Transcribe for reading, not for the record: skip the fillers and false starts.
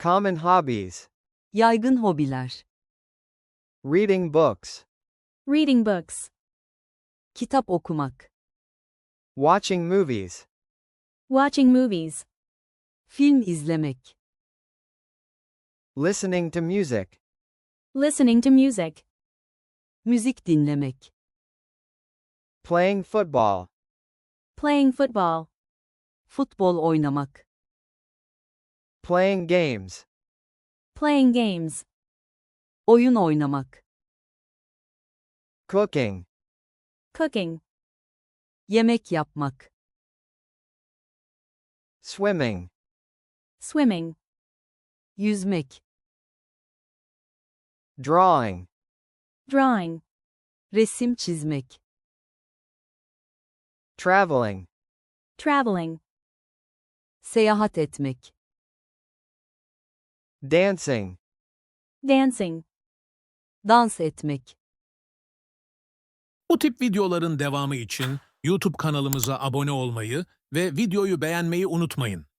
Common hobbies. Yaygın hobiler. Reading books. Reading books. Kitap okumak. Watching movies. Watching movies. Film izlemek. Listening to music. Listening to music. Müzik dinlemek. Playing football. Playing football. Futbol oynamak. Playing games. Playing games. Oyun oynamak. Cooking. Cooking. Yemek yapmak. Swimming. Swimming. Yüzmek. Drawing. Drawing. Resim çizmek. Traveling. Traveling. Seyahat etmek. Dancing. Dancing. Dans etmek. Bu tip videoların devamı için YouTube kanalımıza abone olmayı ve videoyu beğenmeyi unutmayın.